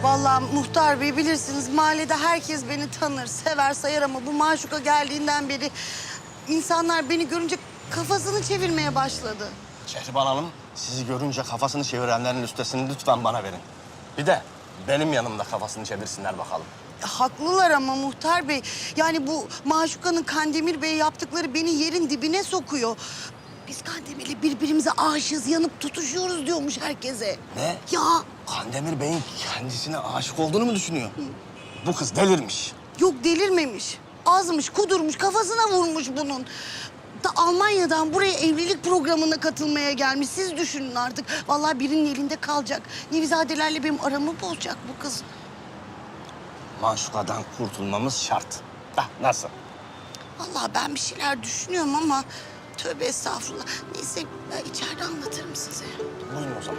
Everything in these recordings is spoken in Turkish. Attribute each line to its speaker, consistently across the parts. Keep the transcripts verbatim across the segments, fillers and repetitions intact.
Speaker 1: Vallahi muhtar bey bilirsiniz mahallede herkes beni tanır, sever, sayar ama bu maşuka geldiğinden beri insanlar beni görünce kafasını çevirmeye başladı.
Speaker 2: Şehriban Hanım, sizi görünce kafasını çevirenlerin listesini lütfen bana verin. Bir de benim yanımda kafasını çevirsinler bakalım.
Speaker 1: Haklılar ama muhtar bey. Yani bu Maşuka'nın Kandemir Bey'e yaptıkları beni yerin dibine sokuyor. Biz Kandemir'le birbirimize aşığız, yanıp tutuşuyoruz diyormuş herkese.
Speaker 2: Ne?
Speaker 1: Ya
Speaker 2: Kandemir Bey'in kendisine aşık olduğunu mu düşünüyor? Bu kız delirmiş.
Speaker 1: yok delirmemiş. Azmış, kudurmuş, kafasına vurmuş bunun. Da Almanya'dan buraya evlilik programına katılmaya gelmiş. Siz düşünün artık. Vallahi birinin elinde kalacak. Nevizadelerle benim aramı bozacak bu kız.
Speaker 2: Maşuka'dan kurtulmamız şart. Hah, nasıl?
Speaker 1: Vallahi ben bir şeyler düşünüyorum ama tövbe estağfurullah. Neyse ben içeride anlatırım size.
Speaker 2: Buyurun o zaman.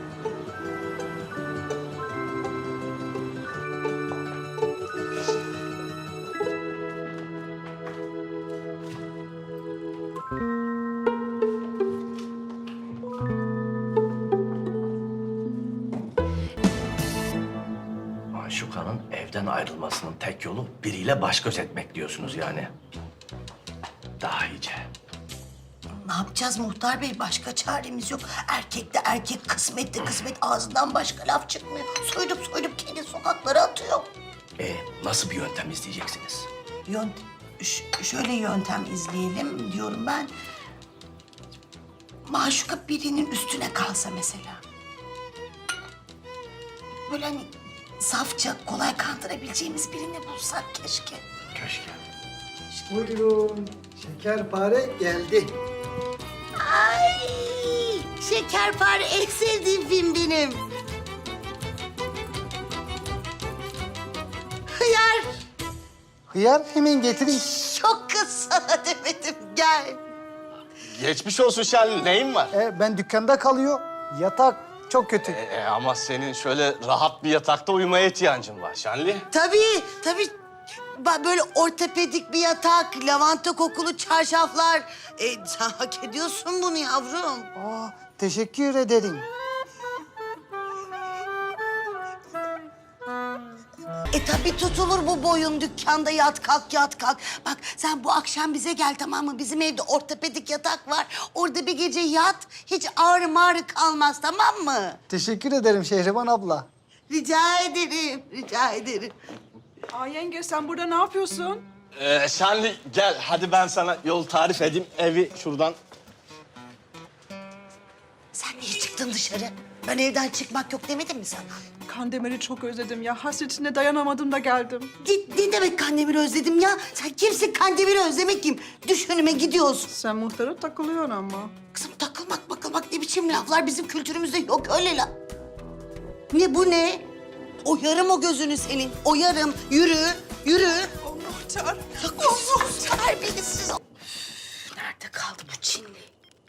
Speaker 2: Maşuka'nın evden ayrılmasının tek yolu biriyle baş göz etmek diyorsunuz yani. Daha iyice.
Speaker 1: Ne yapacağız muhtar bey? Başka çaremiz yok. Erkek de erkek, kısmet de kısmet. Ağzından başka laf çıkmıyor. Soydup soydup kendi sokaklara atıyor.
Speaker 2: E nasıl bir yöntem izleyeceksiniz?
Speaker 1: Yönt ş- şöyle yöntem izleyelim diyorum ben. Maşuka birinin üstüne kalsa mesela. Böyle hani safça, kolay kandırabileceğimiz birini bulsak keşke.
Speaker 2: Keşke.
Speaker 3: Buyurun. Şekerpare geldi.
Speaker 1: Ay! Şekerpare en sevdiğim film benim. Hıyar!
Speaker 3: Hıyar hemen getireyim.
Speaker 1: Çok kız sana demedim, gel.
Speaker 2: Geçmiş olsun Şenli. Neyin var?
Speaker 3: E, ben dükkanda kalıyor. Yatak çok kötü.
Speaker 2: E, ama senin şöyle rahat bir yatakta uyumaya ihtiyacın var Şenli.
Speaker 1: Tabii, tabii. Ba- Böyle ortopedik bir yatak, lavanta kokulu çarşaflar. E, sen hak ediyorsun bunu yavrum.
Speaker 3: Aa, teşekkür ederim.
Speaker 1: E tabii tutulur bu boyun dükkanda yat kalk yat kalk. Bak sen bu akşam bize gel tamam mı? Bizim evde ortopedik yatak var. Orada bir gece yat. Hiç ağrı mağrı kalmaz tamam mı?
Speaker 3: Teşekkür ederim Şehriban abla.
Speaker 1: Rica ederim, rica ederim.
Speaker 4: Aa yenge sen burada ne yapıyorsun?
Speaker 2: Ee, Şenli gel hadi ben sana yol tarif edeyim. Evi şuradan.
Speaker 1: Sen niye çıktın dışarı? Ben evden çıkmak yok demedim mi sana?
Speaker 4: Kandemir'i çok özledim ya. Hasretine dayanamadım da geldim.
Speaker 1: Ne, ne demek Kandemir'i özledim ya? Sen kimsin Kandemir'i özlemek kim? Düş önüme gidiyorsun.
Speaker 4: Sen muhtara takılıyorsun ama.
Speaker 1: Kızım takılmak bakılmak ne biçim laflar bizim kültürümüzde yok öyle la. Ne bu ne? Oyarım o gözünü senin. Oyarım. Yürü, yürü.
Speaker 4: Oh muhtar.
Speaker 1: Sus terbiyesiz. Üf, nerede kaldı bu Çinli?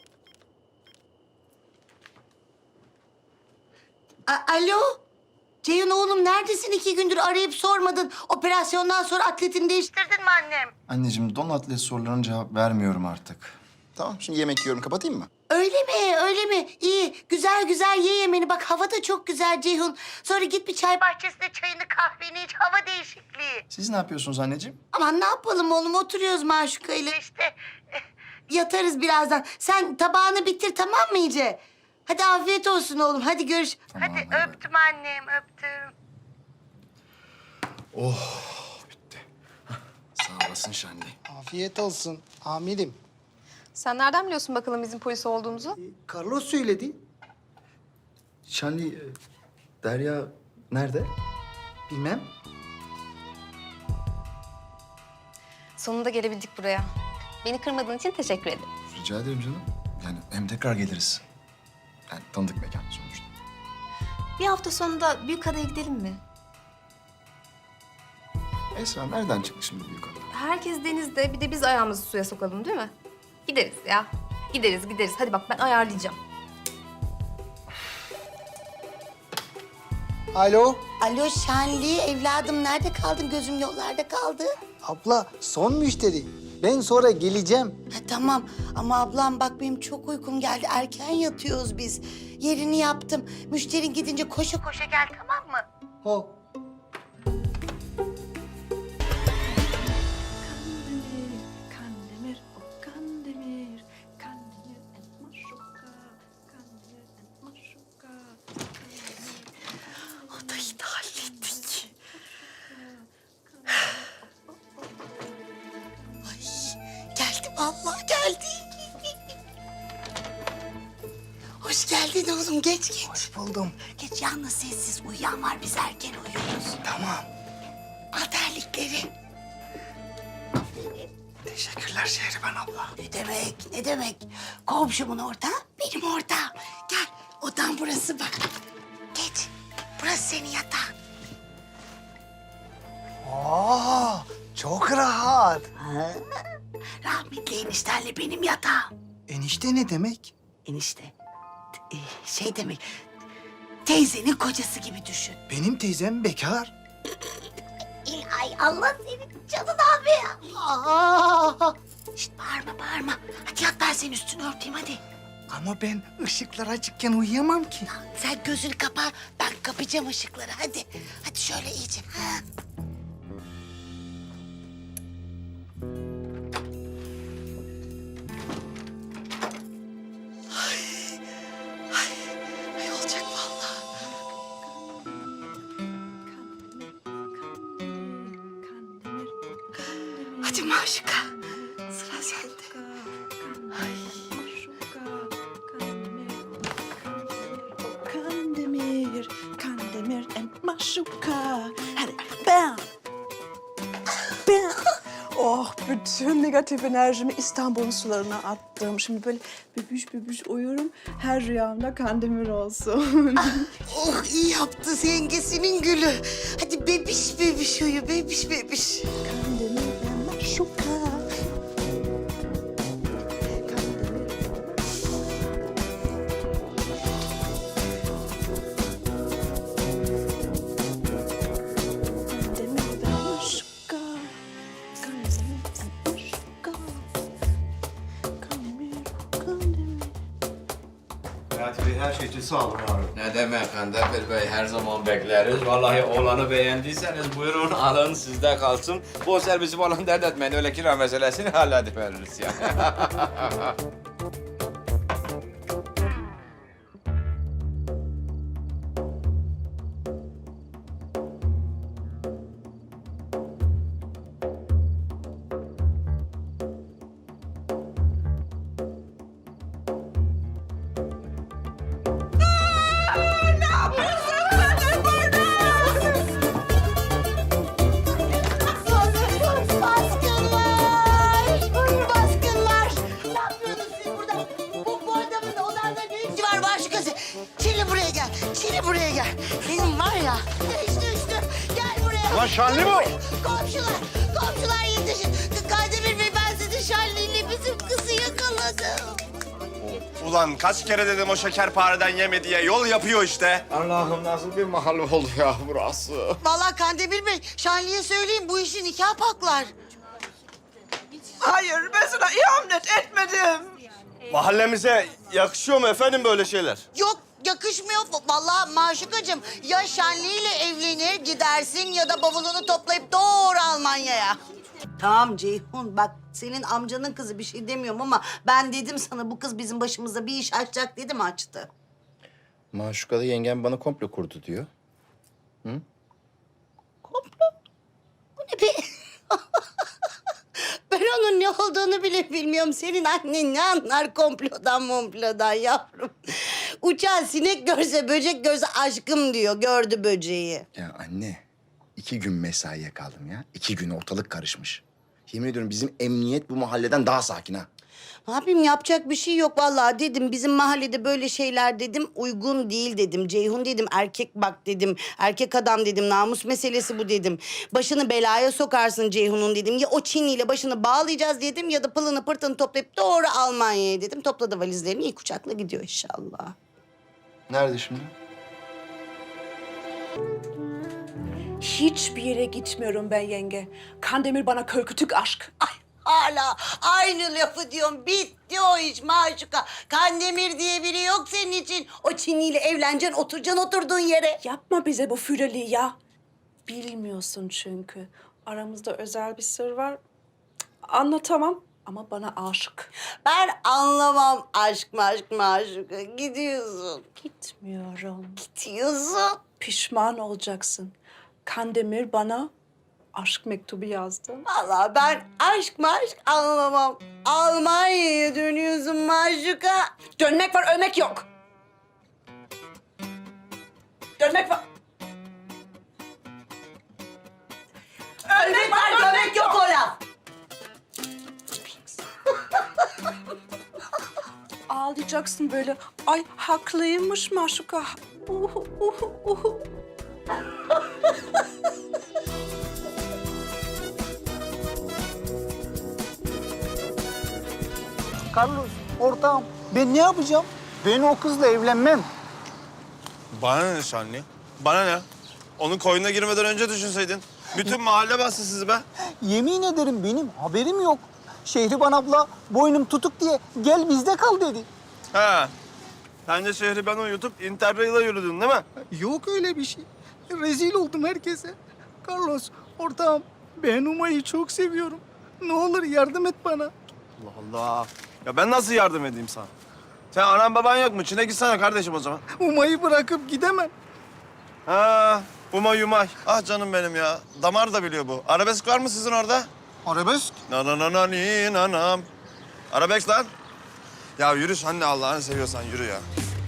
Speaker 1: A- Alo? Ceyhun oğlum neredesin? İki gündür arayıp sormadın. Operasyondan sonra atletini değiştirdin mi annem?
Speaker 5: Anneciğim, don atlet sorularına cevap vermiyorum artık. Tamam, şimdi yemek yiyorum. Kapatayım mı?
Speaker 1: Öyle mi? Öyle mi? İyi. Güzel güzel ye yemeğini. Bak hava da çok güzel Ceyhun. Sonra git bir çay bahçesinde çayını kahveni iç. Hava değişikliği.
Speaker 5: Siz ne yapıyorsunuz anneciğim?
Speaker 1: Aman ne yapalım oğlum? Oturuyoruz Maşuka ile işte. Eh, Yatarız birazdan. Sen tabağını bitir tamam mı iyice? Hadi afiyet olsun oğlum. Hadi görüş.
Speaker 5: Tamam,
Speaker 1: hadi
Speaker 5: hadi.
Speaker 1: öptüm annem öptüm.
Speaker 5: Bitti. Hah, sağ olasın Şenli.
Speaker 3: Afiyet olsun amirim.
Speaker 6: Sen nereden biliyorsun bakalım bizim polis olduğumuzu?
Speaker 3: E, Carlos söyledi.
Speaker 5: Şenli, e, Derya nerede?
Speaker 3: Bilmem.
Speaker 6: Sonunda gelebildik buraya. Beni kırmadığın için teşekkür ederim.
Speaker 5: Rica ederim canım. Yani hem tekrar geliriz. Yani tanıdık mekan sonuçta.
Speaker 6: Bir hafta sonunda Büyükada'ya gidelim mi?
Speaker 5: Esra nereden çıktı şimdi büyük adam?
Speaker 6: Herkes denizde, bir de biz ayağımızı suya sokalım değil mi? Gideriz ya. Gideriz, gideriz. Hadi bak ben ayarlayacağım.
Speaker 3: Alo.
Speaker 1: Alo Şenli evladım nerede kaldın? Gözüm yollarda kaldı.
Speaker 3: Abla son müşteri. Ben sonra geleceğim.
Speaker 1: Ha, tamam ama ablam bak benim çok uykum geldi. Erken yatıyoruz biz. Yerini yaptım. Müşterin gidince koşa koşa gel tamam mı?
Speaker 3: Ho.
Speaker 4: Kandemir, o Kandemir, Kandemir and Maşuka, Kandemir and Maşuka,
Speaker 1: Odayı da hallettik. Ay geldi vallahi geldi. Hoş geldin oğlum geç geç.
Speaker 3: Hoş buldum.
Speaker 1: Geç yalnız sessiz uyuyan var biz erken uyuyoruz.
Speaker 3: Tamam.
Speaker 1: Al terlikleri.
Speaker 3: Teşekkürler Şehriban abla.
Speaker 1: Ne demek ne demek. Komşumun orada benim orada. Gel odan burası bak. Geç burası senin yatağın.
Speaker 3: Oo, çok rahat.
Speaker 1: Ha? Rahmetli eniştenle benim yatağım.
Speaker 3: Enişte ne demek?
Speaker 1: Enişte e, şey demek teyzenin kocası gibi düşün.
Speaker 3: Benim teyzem bekar.
Speaker 1: İlay Allah senin canın abi. Aa! Şişt bağırma bağırma. Hadi yat ben senin üstünü örteyim hadi.
Speaker 3: Ama ben ışıklar açıkken uyuyamam ki.
Speaker 1: Sen gözünü kapa ben kapayacağım ışıkları hadi. Hadi şöyle iyice. Ha. Ay, ay, ay olacak vallahi.
Speaker 4: Kandemir, o Kandemir,
Speaker 1: Hadi Maşuka sıra sende.
Speaker 4: Kandemir, Kandemir and Maşuka. Hadi bam. Bam. Oh, bütün negatif enerjimi İstanbul'un sularına attım. Şimdi böyle bübüş bübüş uyuyorum. Her rüyamda Kandemir olsun.
Speaker 1: Oh iyi yaptı yengesinin gülü. Hadi bebiş bebiş uyu bebiş bebiş.
Speaker 4: Kandemir and Maşuka. Kandemir and Maşuka. Kandemir and Maşuka. Kandemir, Kandemir.
Speaker 5: Hayati Bey her şey için sağ olun abi.
Speaker 7: Ne demek Kandemir Bey, her zaman bekleriz. Vallahi oğlanı beğendiyseniz buyurun alın sizde kalsın. Bu servisi falan dert etmeyin, öyle kira meselesini hallediveririz ya.
Speaker 1: Baskınlar! Baskınlar! Ne yapıyorsunuz siz burada? Bu, bu adamın odanda ne işi var Maşukası? Çili buraya gel, Çili buraya gel. Benim var ya, düştü düştü. Gel buraya.
Speaker 2: Ulan Şanlı
Speaker 1: Gel
Speaker 2: bu!
Speaker 1: buraya. Komşular, komşular yetişin. Kandemir Bey ben sizin Şanlı'yla bizim kızı yakaladım.
Speaker 2: Ulan kaç kere dedim o şekerpareden yeme diye yol yapıyor işte.
Speaker 7: Allah'ım nasıl bir mahalle oldu ya burası.
Speaker 1: Vallahi Kandemir Bey, Şanlı'ya söyleyeyim bu işi nikah paklar.
Speaker 4: Hayır, ben sana ihanet etmedim.
Speaker 2: Mahallemize yakışıyor mu efendim böyle şeyler?
Speaker 1: Yok yakışmıyor. Vallahi Maşukacığım ya Şanlı ile evlenir gidersin ya da bavulunu toplayıp doğru Almanya'ya. Tamam Ceyhun bak senin amcanın kızı bir şey demiyorum ama ben dedim sana bu kız bizim başımıza bir iş açacak dedim açtı.
Speaker 5: Maşuka'da yengem bana komplo kurdu diyor.
Speaker 1: Komplo? Bu ne be? Ben onun ne olduğunu bile bilmiyorum. Senin annen ne anlar komplodan momplodan yavrum. Uçan sinek görse böcek görse aşkım diyor. Gördü böceği.
Speaker 5: Ya anne, iki gün mesaiye kaldım ya. İki gün ortalık karışmış. Yemin ediyorum bizim emniyet bu mahalleden daha sakin ha.
Speaker 1: Ne yapayım yapacak bir şey yok vallahi dedim. Bizim mahallede böyle şeyler dedim uygun değil dedim. Ceyhun dedim erkek bak dedim. Erkek adam dedim namus meselesi bu dedim. Başını belaya sokarsın Ceyhun'un dedim. Ya o Çinliyle başını bağlayacağız dedim ya da pılını pırtını toplayıp doğru Almanya'ya dedim. Topladı valizlerini ilk uçakla gidiyor inşallah.
Speaker 5: Nerede şimdi?
Speaker 4: Hiçbir yere gitmiyorum ben yenge. Kandemir bana körkütük aşk.
Speaker 1: Ay Hala aynı lafı diyorum. Bitti o iş Maşuka. Kandemir diye biri yok senin için. O Çinliyle evleneceksin, oturacaksın oturduğun yere.
Speaker 4: Yapma bize bu füreliği ya. Bilmiyorsun çünkü. Aramızda özel bir sır var. Cık, anlatamam ama bana aşık.
Speaker 1: Ben anlamam aşk maşk Maşuka. Gidiyorsun.
Speaker 4: Gitmiyorum.
Speaker 1: Gidiyorsun.
Speaker 4: Pişman olacaksın. Kandemir bana aşk mektubu yazdı.
Speaker 1: Vallahi ben aşk maşk anlamam. Almanya'ya dönüyorsun Maşuka.
Speaker 4: Dönmek var, ölmek yok. Dönmek var.
Speaker 1: Ölmek var, dönmek yok o laf.
Speaker 4: Ağlayacaksın böyle. Ay haklıymış Maşuka. Uhu, uhu, uhu.
Speaker 3: Carlos, ortağım ben ne yapacağım? Ben o kızla evlenmem.
Speaker 8: Bana ne Şanlı? Bana ne? Onun koyuna girmeden önce düşünseydin. Bütün mahalle bastı sizi be.
Speaker 3: Yemin ederim benim haberim yok. Şehriban abla boynum tutuk diye gel bizde kal dedi.
Speaker 8: He. Sen de şehri ben uyutup Interrail'a yürüdün değil mi?
Speaker 3: Yok öyle bir şey. Rezil oldum herkese. Carlos, ortağım ben Umay'ı çok seviyorum. Ne olur yardım et bana.
Speaker 8: Allah Allah. Ya ben nasıl yardım edeyim sana? Sen anan baban yok mu? Çin'e gitsene kardeşim o zaman.
Speaker 3: Umay'ı bırakıp gidemem.
Speaker 8: Ha, umay umay. Ah canım benim ya. Damar da biliyor bu. Arabesk var mı sizin orada?
Speaker 3: Arabesk?
Speaker 8: Na na na na ni nanam. Arabesk lan. Ya yürü sen de Allah'ını seviyorsan yürü ya.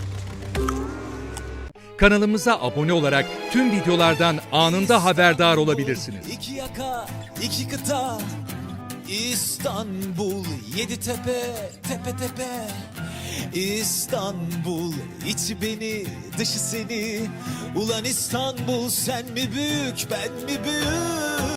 Speaker 9: Kanalımıza abone olarak tüm videolardan anında haberdar olabilirsiniz.
Speaker 10: İki yaka, iki kıta, İstanbul, yedi tepe, tepe tepe. İstanbul, içi beni, dışı seni. Ulan İstanbul, sen mi büyük, ben mi büyük?